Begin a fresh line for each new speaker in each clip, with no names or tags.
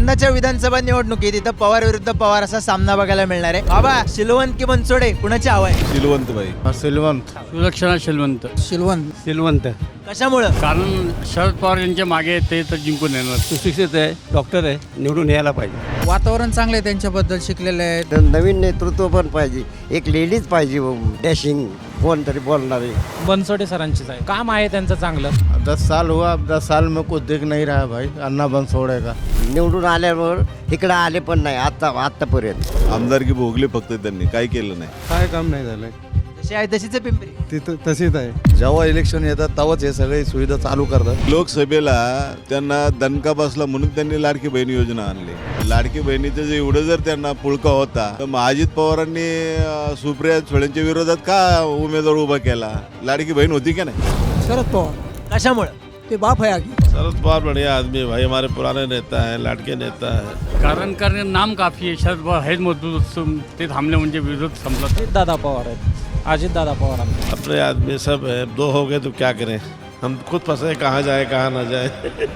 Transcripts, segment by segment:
यंदाच्या विधानसभा निवडणुकीत इथं पवार विरुद्ध पवार असा सामना बघायला मिळणार आहे. बाबा, शिलवंत की बनसोडे, कुणाची हवा आहे?
सिलवंत बाई.
सिलवंत.
सुलक्षणा शिलवंत.
सिलवंत.
कशामुळं?
कारण शरद पवार यांच्या मागे ते तर जिंकून येणार.
सुशिक्षित आहे, डॉक्टर आहे, निवडून यायला पाहिजे.
वातावरण चांगलं आहे, त्यांच्याबद्दल शिकलेले आहेत.
नवीन नेतृत्व पण पाहिजे, एक लेडीज पाहिजे, डॅशिंग कोणतरी बोलणारे.
बनसोडे सरांचीच आहे, काम आहे त्यांचं चांगलं.
10 साल हुआ, अब 10 साल में कुछ दिख नहीं रहा भाई. अन्ना बनसोडे का
निवडून आल्यावर इकडं आले पण नाही आतापर्यंत.
आमदारकी भोगली फक्त त्यांनी, काही केलं नाही.
काय काम नाही झालंय.
जशी आहे तशीच आहे पिंपरी.
तिथं तशीच आहे. जेव्हा इलेक्शन येतात तेव्हाच हे सगळे सुविधा चालू करतात.
लोकसभेला त्यांना दणका बसला म्हणून त्यांनी लाडकी बहीण योजना आणली. लाडकी बहिणीचं जे एवढं जर त्यांना पुळका होता तर मग अजित पवारांनी सुप्रिया सुळेंच्या विरोधात का उमेदवार उभा केला? लाडकी बहीण होती का नाही?
शरद पवार
कशामुळं?
ते बाप आहे आगी.
शरद पवार बढ़िया आदमी भाई, हमारे पुराने नेता है, लाडके नेता है.
कारण नाम काफी आहे. शरद पवार आहेत मजबूत, ते थांबले म्हणजे विरोध संपला.
दादा पवार आहेत, अजित दादा पवार.
अपने आदमी सब है, दो हो गए तो क्या करें, हम खुद फंसे, कहाँ जाए कहाँ ना जाए.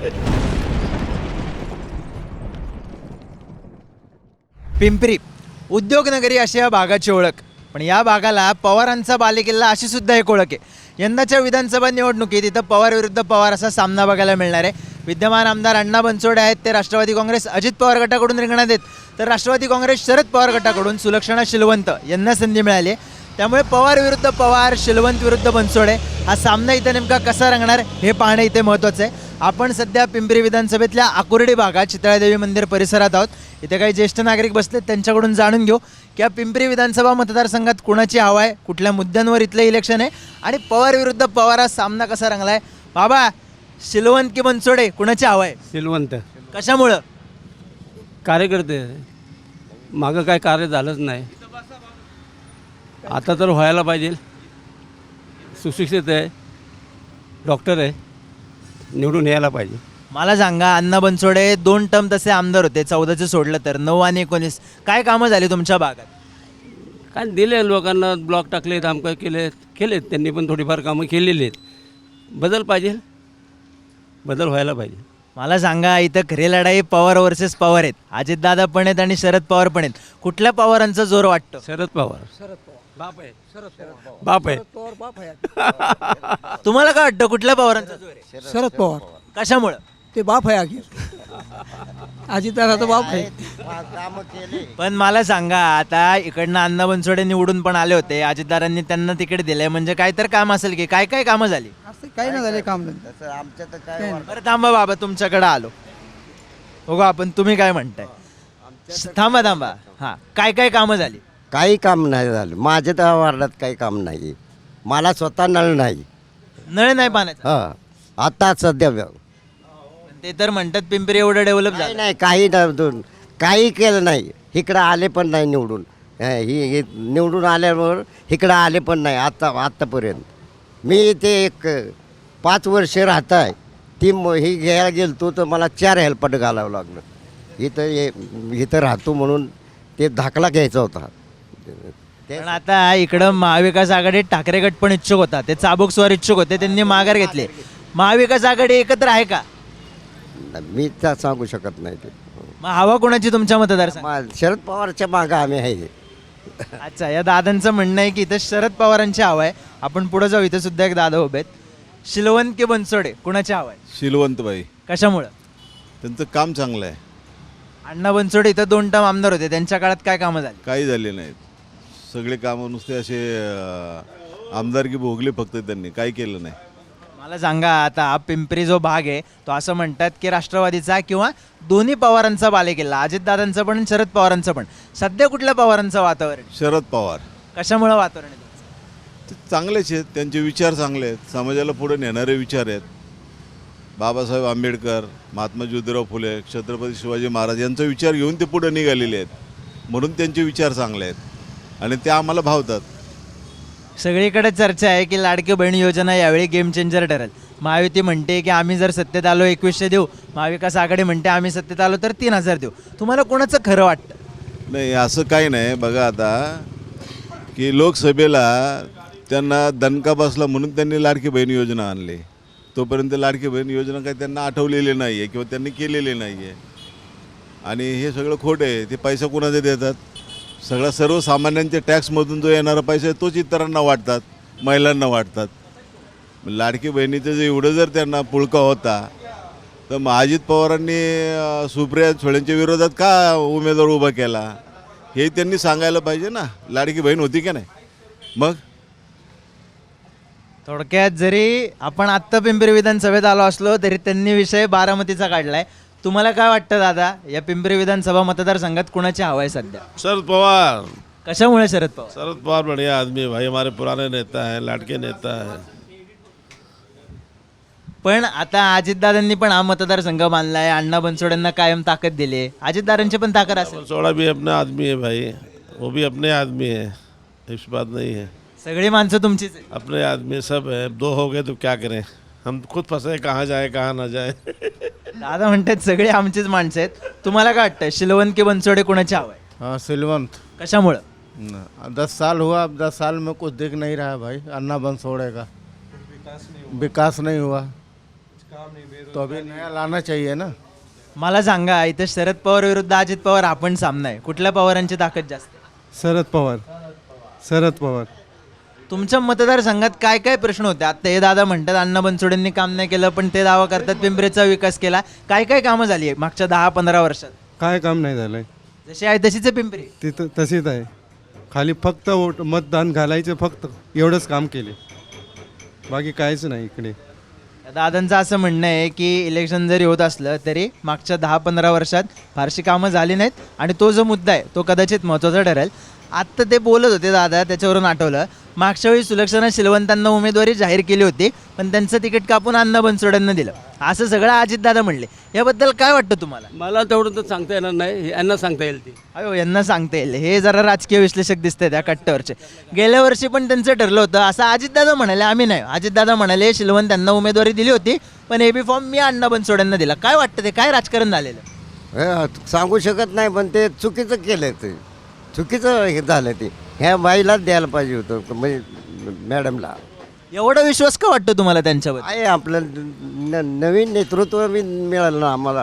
पिंपरी उद्योगनगरी अशी या भागाची ओळख, पण या भागाला पवारांचा बालेकिल्ला अशी सुद्धा एक ओळख आहे. यंदाच्या विधानसभा निवडणुकीत इथं पवार विरुद्ध पवार असा सामना बघायला मिळणार आहे. विद्यमान आमदार अण्णा बनसोडे आहेत, ते राष्ट्रवादी काँग्रेस अजित पवार गटाकडून रिंगणात आहेत, तर राष्ट्रवादी काँग्रेस शरद पवार गटाकडून सुलक्षणा शिलवंत यांना संधी मिळाली आहे. त्यामुळे पवार विरुद्ध पवार, शिलवंत विरुद्ध बनसोडे हा सामना इथं नेमका कसा रंगणार हे पाहणं इथे महत्त्वाचं आहे. आपण सध्या पिंपरी विधानसभेतल्या आकुर्डी भागात चितळादेवी मंदिर परिसरात आहोत. इथे काही ज्येष्ठ नागरिक बसलेत, त्यांच्याकडून जाणून घेऊ की या पिंपरी विधानसभा मतदारसंघात कुणाची हवा आहे, कुठल्या मुद्द्यांवर इथलं इलेक्शन आहे आणि पवार विरुद्ध पवार हा सामना कसा रंगला आहे. बाबा, शिलवंत की बनसोडे, कुणाची हवा आहे?
सिलवंत.
कशामुळं?
कार्यकर्ते मागं काय कार्य झालंच नाही, आता तर व्हायला पाहिजे. सुशिक्षित आहे, डॉक्टर आहे, निवडून यायला पाहिजे.
मला सांगा, अण्णा बनसोडे 2 टर्म तसे आमदार होते, 14चं सोडलं तर 9 आणि 19 काय कामं झाली तुमच्या भागात?
काय दिले लोकांना, ब्लॉक टाकलेत, आमचं केलेत त्यांनी, पण थोडीफार कामं केलेली आहेत. बदल पाहिजे, बदल व्हायला पाहिजे.
मला सांगा, इथं खरी लढाई पवार वर्सेस पवार आहेत. अजितदादा पण आहेत आणि शरद पवार पण आहेत. कुठल्या पवारांचा जोर वाटतो?
शरद पवार बाप आहे. बाप आहे.
तुम्हाला काय वाटतं, कुठल्या पवारांचा जोर आहे?
शरद पवार.
कशामुळं?
ते बाप आहे आगी. अजित दादा बाप आहे.
कामं केले.
पण मला सांगा, आता इकडनं अण्णा बनसोडे निवडून पण आले होते, अजितदारांनी त्यांना तिकीट दिलंय, म्हणजे काय तर काम असेल की काय काय कामं झाली?
असं काही नाही झाले काम.
तसं आमच्या तर काय
बरं थांबा बाबा, तुमच्याकडे आलो बघू आपण, तुम्ही काय म्हणताय. थांबा हां, काय काय कामं झाली?
काही काम नाही झालं. माझ्या तर वार्डात काही काम नाही. मला स्वतः नळ नाही.
नळ नाही पाण्याचा?
हां, आता सध्या
ते तर म्हणतात पिंपरी एवढं डेव्हलप
काही
झालं.
नाही, काही केलं नाही. इकडं आले पण नाही निवडून. ही निवडून आल्यावर इकडं आले पण नाही आत्तापर्यंत. मी ते एक 5 वर्ष राहत आहे. ही घ्यायला गेलो तर मला 4 हेल्पट घालावं लागलं. इथं राहतो म्हणून ते दाखला घ्यायचा होता.
पण आता इकडं महाविकास आघाडीत ठाकरे गट पण इच्छुक होता, ते चाबूकस्वार इच्छुक होते, त्यांनी माघार घेतले. महाविकास आघाडी एकत्र आहे का?
मी तर सांगू शकत नाही. ते
मग हवा कोणाची तुमच्या मतदारसंघात?
शरद पवारच्या मागं आम्ही आहे.
अच्छा, या दादांचं म्हणणं आहे की इथं शरद पवारांची हवा आहे. आपण पुढे जाऊ, इथं सुद्धा एक दादा उभे आहेत. शिलवंत की बनसोडे, कुणाची हवा आहे?
सिलवंत बाई.
कशामुळं?
त्यांचं काम चांगलं आहे.
अण्णा बनसोडे इथं 2 टर्म आमदार होते, त्यांच्या काळात काय कामं झाली?
काही झाले नाहीत. सगळे कामं नुसते असे आमदारकी भोगली फक्त त्यांनी, काही केलं नाही.
मला सांगा, आता हा पिंपरी जो भाग आहे तो असं म्हणतात की राष्ट्रवादीचा किंवा दोन्ही पवारांचा बालेकिल्ला, अजितदादांचं पण शरद पवारांचं पण. सध्या कुठल्या पवारांचं वातावरण?
शरद पवार.
कशामुळं वातावरण आहे तुमचं?
ते चांगलेच आहेत, त्यांचे विचार चांगले आहेत, समाजाला पुढे नेणारे विचार आहेत. बाबासाहेब आंबेडकर, महात्मा ज्योतिराव फुले, छत्रपती शिवाजी महाराज यांचा विचार घेऊन ते पुढे निघालेले आहेत, म्हणून त्यांचे विचार चांगले आहेत आणि ते आम्हाला भावतात.
सगळीकडे चर्चा आहे की लाडकी बहीण योजना यावेळी गेम चेंजर ठरेल. महायुती म्हणते की आम्ही जर सत्तेत आलो 2100 देऊ, महाविकास आघाडी म्हणते आम्ही सत्तेत आलो तर 3000 देऊ. तुम्हाला कोणाचं खरं वाटतं?
नाही, असं काही नाही. बघा आता की लोकसभेला त्यांना दणका बसला म्हणून त्यांनी लाडकी बहीण योजना आणली. तोपर्यंत लाडकी बहीण योजना काही त्यांना आठवलेली नाही आहे किंवा त्यांनी केलेली नाही आहे. आणि हे सगळं खोटं आहे. ते पैसा कोणाचे देतात? सगळा सर्वसामान्यांच्या टॅक्समधून जो येणारा पैसा आहे तोच इतरांना वाटतात, महिलांना वाटतात. लाडकी बहिणीचं जे एवढं जर त्यांना पुळका होता तर मग अजित पवारांनी सुप्रिया सुळेंच्या विरोधात का उमेदवार उभा केला हे त्यांनी सांगायला पाहिजे ना. लाडकी बहीण होती की नाही? मग
थोडक्यात जरी आपण आत्ता पिंपरी विधानसभेत आलो असलो तरी त्यांनी विषय बारामतीचा काढलाय. तुम्हाला काय वाटतं दादा, या पिंपरी विधानसभा मतदारसंघात कुणाची हवा आहे सध्या?
शरद पवार।
कशामुळे शरद पवार?
शरद पवार बढ़िया आदमी है भाई, हमारे पुराने नेता है, लाडके नेता है।
पण आता अजितदादांनी पण हा मतदारसंघ बांधलाय, अण्णा बनसोडेंना कायम ताकद दिली आहे. अजितदादांची पण ताकद असेल.
सोड़ा भी अपना आदमी है भाई, वो भी अपने आदमी है, इस बात नहीं है।
सगळी माणसं तुमचीच आहे.
अपने आदमी सब है, दो हो गए तो क्या करें, हम खुद फंसे कहाँ जाए कहाँ ना जाए।
दादा म्हणतात सगळे आमचीच माणसं आहेत. तुम्हाला काय वाटतं, शिलवंत की बनसोडे कोणाची हवा आहे?
हाँ सिलवंत।
कशामुळं?
10 साल हुआ, अब 10 साल में कुछ दिख नहीं रहा है भाई अन्ना बनसोड़े का। विकास नहीं हुआ तो अभी नया लाना चाहिए ना।
मला सांगा, इथं शरद पवार विरुद्ध अजित पवार आपण सामना आहे, कुठल्या पवारांची ताकद जास्त आहे?
शरद पवार। शरद पवार।
तुमच्या मतदारसंघात काय काय प्रश्न होते? आता हे दादा म्हणतात अण्णा बनसोडेंनी काम नाही केलं, पण ते दावा करतात पिंपरीचा विकास केला. काय काय कामं झाली आहे मागच्या 10-15 वर्षात?
काय काम नाही झालंय,
जशी आहे तशीच आहे पिंपरी.
तिथं तशीच आहे. खाली फक्त मतदान घालायचं, फक्त एवढंच काम केले, बाकी काहीच नाही इकडे.
दादांचं असं म्हणणं आहे की इलेक्शन जरी होत असलं तरी मागच्या 10-15 वर्षात फारशी कामं झाली नाहीत, आणि तो जो मुद्दा आहे तो कदाचित महत्त्वाचा ठरेल. आत्ता ते बोलत होते दादा, त्याच्यावरून आठवलं, मागच्या वेळी सुलक्षणा शिलवंतांना उमेदवारी जाहीर केली होती, पण त्यांचं तिकीट कापून अण्णा बनसोडेंना दिलं, असं सगळं अजितदादा म्हणले. याबद्दल काय वाटतं तुम्हाला?
मला तेवढं तर सांगता येणार नाही, यांना सांगता येईल ते.
अयो, यांना सांगता येईल. हे जरा राजकीय विश्लेषक दिसते त्या कट्ट्यावरचे. गेल्या वर्षी पण त्यांचं ठरलं होतं असं अजितदादा म्हणाले, आम्ही नाही. अजितदादा म्हणाले शिलवंत त्यांना उमेदवारी दिली होती, पण एबी फॉर्म मी अण्णा बनसोडेंना दिला. काय वाटतं, ते काय राजकारण झालेलं?
सांगू शकत नाही, पण ते चुकीचं केलं, ते चुकीचं हे झालं. ते ह्या बाईलाच द्यायला पाहिजे होतं, म्हणजे मॅडमला.
एवढा विश्वास का वाटतो तुम्हाला त्यांच्यावर?
आहे आपलं नवीन नेतृत्व बी मिळालं ना आम्हाला.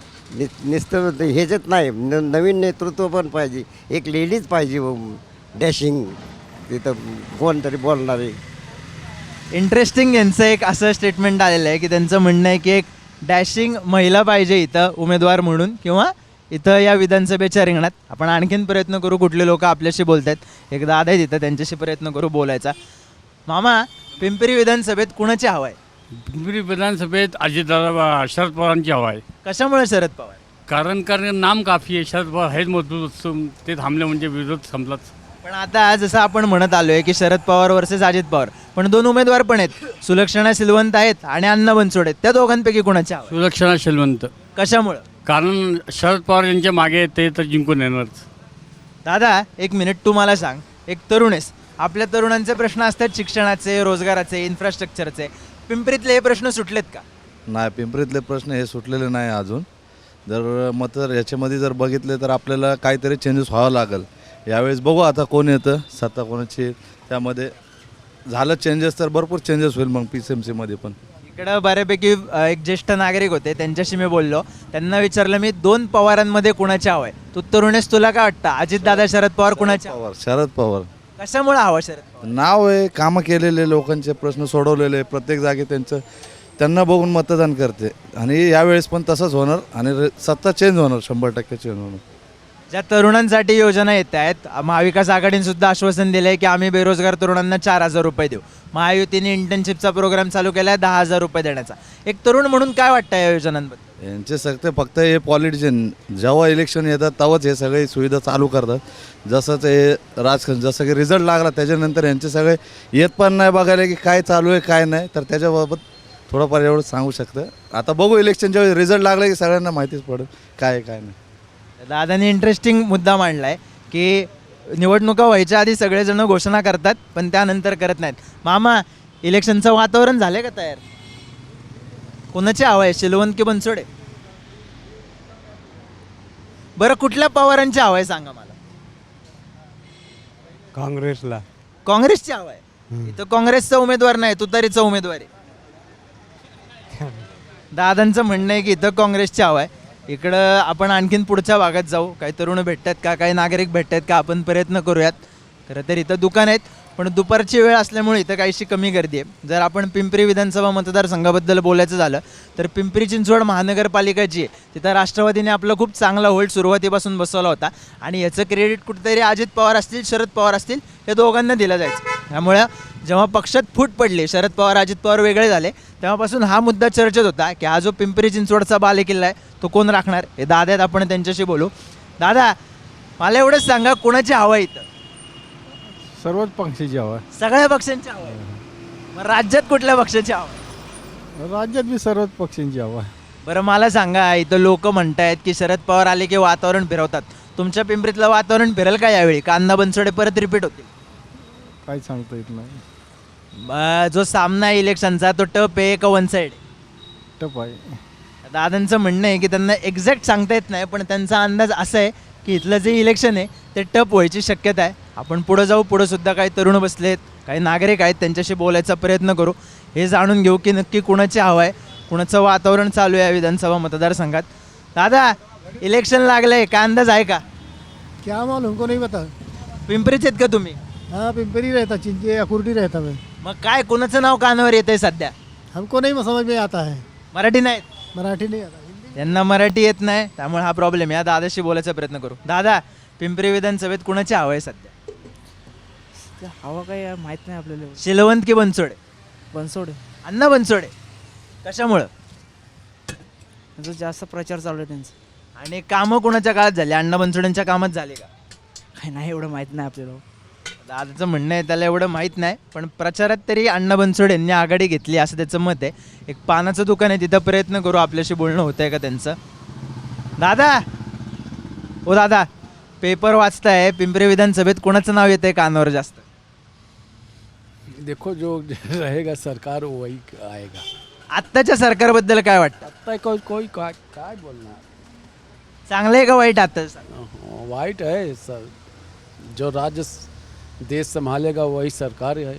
नुसतं ह्याच्यात नाही, नवीन नेतृत्व पण पाहिजे. एक लेडीज पाहिजे डॅशिंग, तिथं कोणतरी बोलणारे.
इंटरेस्टिंग यांचं एक असं स्टेटमेंट आलेलं आहे की त्यांचं म्हणणं आहे की एक डॅशिंग महिला पाहिजे इथं उमेदवार म्हणून, किंवा इथं या विधानसभेच्या रिंगणात. आपण आणखीन प्रयत्न करू, कुठले लोक आपल्याशी बोलत आहेत. एक दादा आहेत इथं, त्यांच्याशी प्रयत्न करू बोलायचा. मामा, पिंपरी विधानसभेत कुणाची हवा आहे?
पिंपरी विधानसभेत अजितदादा शरद पवारांची हवा आहे.
कशामुळे शरद पवार?
कारण नाम काफी आहे. शरद पवार हेच मजबूत, ते थांबले म्हणजे विरोध संपलाच.
पण आता जसं आपण म्हणत आलोय की शरद पवार वर्सेस अजित पवार, पण दोन उमेदवार पण आहेत, सुलक्षणा सिलवंत आहेत आणि अण्णा बनसोडे. त्या दोघांपैकी कुणाची हवा आहे?
सुलक्षणा शिलवंत.
कशामुळं?
कारण शरद पवार यांच्या मागे ते तर जिंकून येणारच.
दादा, एक मिनिट, तू मला सांग, एक तरुण आहेस, आपल्या तरुणांचे प्रश्न असतात शिक्षणाचे, रोजगाराचे, इन्फ्रास्ट्रक्चरचे. पिंपरीतले हे प्रश्न सुटलेत का?
नाही, पिंपरीतले प्रश्न हे सुटलेले नाही अजून. जर याच्यामध्ये जर बघितले तर आपल्याला काहीतरी चेंजेस व्हावं लागेल. यावेळेस बघू आता कोण येतं, सत्ता कोणाची, त्यामध्ये झालं चेंजेस तर भरपूर चेंजेस होईल मग PCMCमध्ये पण.
इकडं बऱ्यापैकी एक ज्येष्ठ नागरिक होते, त्यांच्याशी मी बोललो. त्यांना विचारलं मी, दोन पवारांमध्ये कुणाची हवं आहे? तू तरुणेस, तुला काय वाटतं, अजितदादा शरद पवार कुणाची हवं?
शरद पवार.
कशामुळे हवा शरद पवार?
नाव आहे, कामं केलेले, लोकांचे प्रश्न सोडवलेले, प्रत्येक जागी त्यांना बघून मतदान करते. आणि यावेळेस पण तसंच होणार, आणि सत्ता चेंज होणार, 100% चेंज होणार.
ज्या तरुणांसाठी योजना येत आहेत, महाविकास आघाडीने सुद्धा आश्वासन दिलं आहे की आम्ही बेरोजगार तरुणांना 4,000 रुपये देऊ. महायुतीने इंटर्नशिपचा प्रोग्राम चालू केला आहे 10,000 रुपये देण्याचा. एक तरुण म्हणून काय वाटतं या योजनांबद्दल?
यांचे सगळे फक्त हे पॉलिटिशियन जेव्हा इलेक्शन येतात तेव्हाच हे सगळे सुविधा चालू करतात. जसं ते राजकारण, जसं की रिझल्ट लागला त्याच्यानंतर यांचे सगळे येत पण नाही बघायला की काय चालू आहे काय नाही. तर त्याच्याबाबत थोडंफार एवढं सांगू शकतं. आता बघू, इलेक्शनच्या वेळी रिझल्ट लागला की सगळ्यांना माहितीच पडेल काय आहे काय नाही.
दादाने इंटरेस्टिंग मुद्दा मांडला आहे की निवडणुका व्हायच्या आधी सगळेजण घोषणा करतात, पण त्यानंतर करत नाहीत. मामा, इलेक्शनचं वातावरण झालं का तयार? कोणाची हवा आहे, शिलवंत की बनसोडे? बरं, कुठल्या पवारांची हवा आहे सांगा मला?
काँग्रेसला.
काँग्रेसची हवा आहे. इथं काँग्रेसचा उमेदवार नाही, तुतारीचा उमेदवार आहे. दादांचं म्हणणं आहे की इथं काँग्रेसची हवा आहे. इकडं आपण आणखीन पुढच्या भागात जाऊ. काही तरुण भेटतात का, काही नागरिक भेटतात का, आपण प्रयत्न करूयात. खरं तर इथं दुकान आहेत, पण दुपारची वेळ असल्यामुळे इथं काहीशी कमी गर्दी आहे. जर आपण पिंपरी विधानसभा मतदारसंघाबद्दल बोलायचं झालं तर पिंपरी चिंचवड महानगरपालिका जी आहे तिथं राष्ट्रवादीने आपला खूप चांगला होल्ड सुरुवातीपासून बसवला होता आणि याचं क्रेडिट कुठेतरी अजित पवार असतील, शरद पवार असतील, या दोघांना दिलं जायचं. त्यामुळे जेव्हा पक्षात फूट पडली, शरद पवार अजित पवार वेगळे झाले, तेव्हापासून हा मुद्दा चर्चेत होता की हा जो पिंपरी चिंचवडचा बालेकिल्ला आहे तो कोण राखणार. हे दादा आहेत, आपण त्यांच्याशी बोलू. दादा, मला एवढंच सांगा, कोणाची हवा आहे इथं?
सर्वच पक्षाची हवा
सगळ्या पक्षांची हवा आहे. मग राज्यात कुठल्या पक्षाची हवा आहे?
राज्यात बी सर्वच पक्षांची हवा
बरं मला सांगा, इथं लोक म्हणतायत की शरद पवार आले की वातावरण फिरवतात. तुमच्या पिंपरीतलं वातावरण फिरेल का यावेळी? का अण्णा बनसोडे परत रिपीट होतील?
काही सांगता येत नाही.
जो सामना आहे इलेक्शनचा तो टप आहे का वन साईड?
टप आहे.
दादांचं म्हणणं आहे की त्यांना एक्झॅक्ट सांगता येत नाही, पण त्यांचा अंदाज असा आहे की इथलं जे इलेक्शन आहे ते टप व्हायची शक्यता आहे. आपण पुढं जाऊ. पुढं सुद्धा काही तरुण बसले आहेत, काही नागरिक आहेत, त्यांच्याशी बोलायचा प्रयत्न करू. हे जाणून घेऊ की नक्की कुणाची हवा आहे, कुणाचं वातावरण चालू आहे विधानसभा मतदारसंघात. दादा, इलेक्शन लागलंय, काय अंदाज आहे का?
क्या मालूम, हमको नहीं पता.
पिंपरीच आहेत का तुम्ही?
हाँ, पिंपरी रहता, चिंचे अकुर्डी रहता मैं.
मग काय कुणाचं नाव कानावर येतंय सध्या?
हमको नहीं समझ में आता है.
मराठी नाहीत,
मराठी नहीं आता, हिंदी.
त्यांना मराठी येत नाही, त्यामुळे हा प्रॉब्लेम आहे. या दादाशी बोलायचा प्रयत्न करू. दादा, पिंपरी विधानसभेत कुणाची हवा आहे सध्या?
हवा काय माहित नाही आपल्याला.
शिलवंत की बनसोडे?
बनसोडे.
अण्णा बनसोडे. कशामुळं?
त्यांचा जास्त प्रचार चालू आहे त्यांचा.
आणि कामं कुणाच्या काळात झाली? अण्णा बनसोडेंच्या कामात झाली का?
काय नाही एवढं माहित नाही आपल्याला.
दादाचं म्हणणं आहे त्याला एवढं माहीत नाही, पण प्रचारात तरी अण्णा बनसोडे यांनी आघाडी घेतली असं त्याचं मत आहे. एक पानाचं दुकान आहे, तिथं प्रयत्न करू आपल्याशी बोलणं होतं आहे का त्यांचं. दादा, ओ दादा, पेपर वाचताय, पिंपरी विधानसभेत कोणाचं नाव येतंय कानावर जास्त?
देखो जो रहेगा सरकार वही आएगा.
आत्ताच्या सरकारबद्दल काय वाटतं?
आता कोई काय बोलना.
चांगलं आहे का वाईट आता?
वाइट है सर. जो राज्य देश संभालेगा वही सरकार है.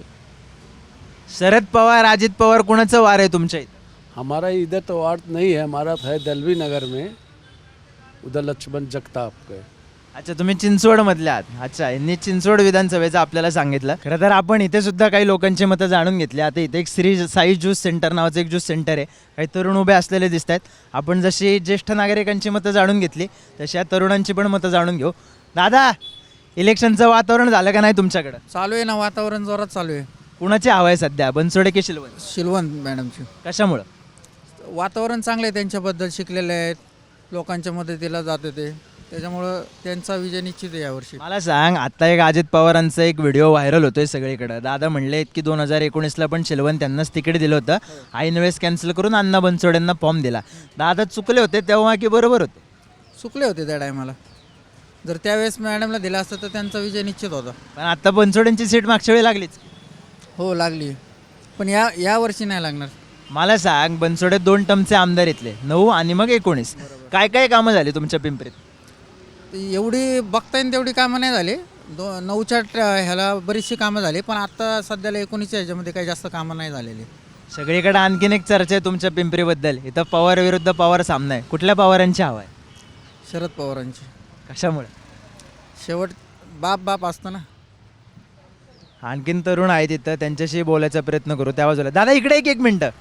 शरद पवार, अजित पवार, कोणाचं वार आहे तुमच्या इथं?
हमारा इधर तो वार्ड नहीं है, हमारा है दलवी नगर में, उधर लक्ष्मण जगताप के.
अच्छा, तुम्ही चिंचवडमधले आहात. अच्छा, यांनी चिंचवड विधानसभेचं आपल्याला सांगितलं. खरं तर आपण इथे सुद्धा काही लोकांची मतं जाणून घेतली. आता इथे एक श्री साई ज्यूस सेंटर नावाचं एक ज्यूस सेंटर आहे. काही तरुण उभे असलेले दिसत आहेत. आपण जशी ज्येष्ठ नागरिकांची मतं जाणून घेतली तशी या तरुणांची पण मतं जाणून घेऊ. दादा, इलेक्शनचं वातावरण झालं का नाही तुमच्याकडं?
चालू आहे ना, वातावरण जोरात चालू आहे.
कुणाची हवा आहे सध्या, बनसोडे की शिलवंत?
शिलवंत मॅडमची.
कशामुळं?
वातावरण चांगलं आहे, त्यांच्याबद्दल शिकलेले आहेत, लोकांच्या मदतीला जात होते, त्याच्यामुळं त्यांचा विजय निश्चित आहे यावर्षी.
मला सांग, आता एक अजित पवारांचा एक व्हिडिओ व्हायरल होतोय सगळीकडं. दादा म्हणले की 2019ला पण शिलवंत त्यांनाच तिकीट दिलं होतं, ऐन वेळेस कॅन्सल करून अण्णा बनसोडेंना फॉर्म दिला. दादा चुकले होते तेव्हा की बरोबर होते?
चुकले होते त्या टायमाला. जर त्यावेळेस मॅडमला दिला असतं तर त्यांचा विजय निश्चित होता.
पण आता बनसोडेंची सीट मागच्या वेळी लागलीच.
हो, लागली, पण या वर्षी नाही लागणार.
मला सांग, बनसोडे 2 टर्मचे आमदार इथले, 9 आणि मग 19. काय काय कामं झाली तुमच्या पिंपरीत?
एवढी बघता येईल तेवढी कामं नाही झाली. 9च्या ह्याला बरीचशी कामं झाली, पण आता सध्याला 19च्या ह्याच्यामध्ये काही जास्त कामं नाही झालेली.
सगळीकडे आणखीन एक चर्चा आहे तुमच्या पिंपरीबद्दल. इथं पवार विरुद्ध पवार सामना आहे. कुठल्या पवारांची हवा आहे?
शरद पवारांची.
कशामुळे?
शेवट बाप असतं ना.
आणखीन तरुण आहेत तिथं, त्यांच्याशी बोलायचा प्रयत्न करू. त्या बाजूला दादा, इकडे एक मिनटं.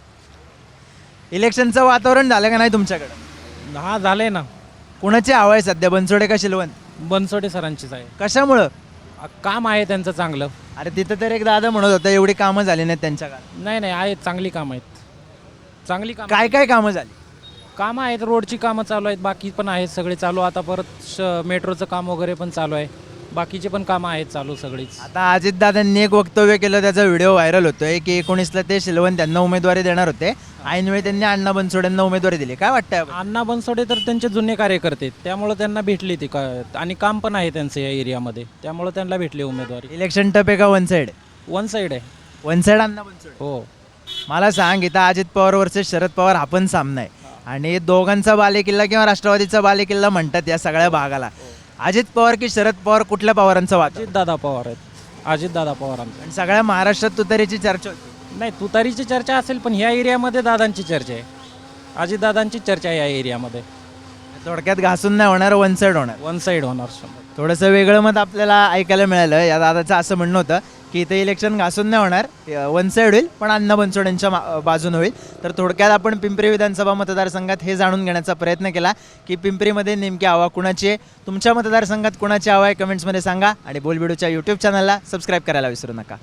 इलेक्शनचं वातावरण झालं का नाही तुमच्याकडं?
हा, झालंय ना.
कुणाची हवा आहे सध्या, बनसोडे का शिलवंत?
बनसोडे सरांचीच आहे.
कशामुळं?
काम आहे त्यांचं चांगलं.
अरे तिथं तर एक दादा म्हणत होता एवढी कामं झाली नाहीत त्यांच्या काळात.
नाही आहेत, चांगली कामं आहेत. चांगली कामं.
काय काय कामं झाली?
कामं आहेत, रोडची कामं चालू आहेत, बाकी पण आहेत सगळे चालू. आता परत मेट्रोचं काम वगैरे पण चालू आहे, बाकीचे पण कामं आहेत चालू सगळीच.
आता अजितदादांनी एक वक्तव्य केलं, त्याचा व्हिडिओ व्हायरल होतोय की 19ला ते शिलवंत त्यांना उमेदवारी देणार होते, ऐनवेळी त्यांनी अण्णा बनसोडेंना उमेदवारी दिली. काय वाटतंय?
अण्णा बनसोडे तर त्यांचे जुने कार्यकर्ते, त्यामुळे त्यांना भेटली ती आणि काम पण आहे त्यांचं या एरियामध्ये, त्यामुळे त्यांना भेटली उमेदवारी.
इलेक्शन टप आहे का वन साईड?
वन साईड आहे.
One side Anna Bansode.
हो.
मला सांग, इथं अजित पवार वर्सेस शरद पवार हा पण सामना आहे आणि दोघांचा बालेकिल्ला किंवा राष्ट्रवादीचा बालेकिल्ला म्हणतात या सगळ्या भागाला. अजित पवार की शरद पवार, कुठल्या पवारांचा वाद?
अजितदादा पवार आहेत. अजितदादा पवारांचा.
आणि सगळ्या महाराष्ट्रात तुतारीची चर्चा होती.
नाही, तुतारीची चर्चा असेल, पण ह्या एरियामध्ये दादांची चर्चा आहे. अजितदादांची चर्चा आहे या एरियामध्ये.
थोडक्यात घासून नाही होणार, वन साईड होणार.
वन साईड होणार 100%.
थोडंसं वेगळं मत आपल्याला ऐकायला मिळालं. या दादाचं असं म्हणणं होतं की इथे इलेक्शन घासून नाही होणार, वन साईड होईल, पण अण्णा बनसोडेंच्या बाजून होईल. तर थोडक्यात आपण पिंपरी विधानसभा मतदारसंघात हे जाणून घेण्याचा प्रयत्न केला की पिंपरीमध्ये नेमकी हवा कुणाची आहे. तुमच्या मतदारसंघात कुणाची हवा आहे कमेंट्समध्ये सांगा आणि बोलबिडूच्या यूट्यूब चॅनलला सबस्क्राईब करायला विसरू नका.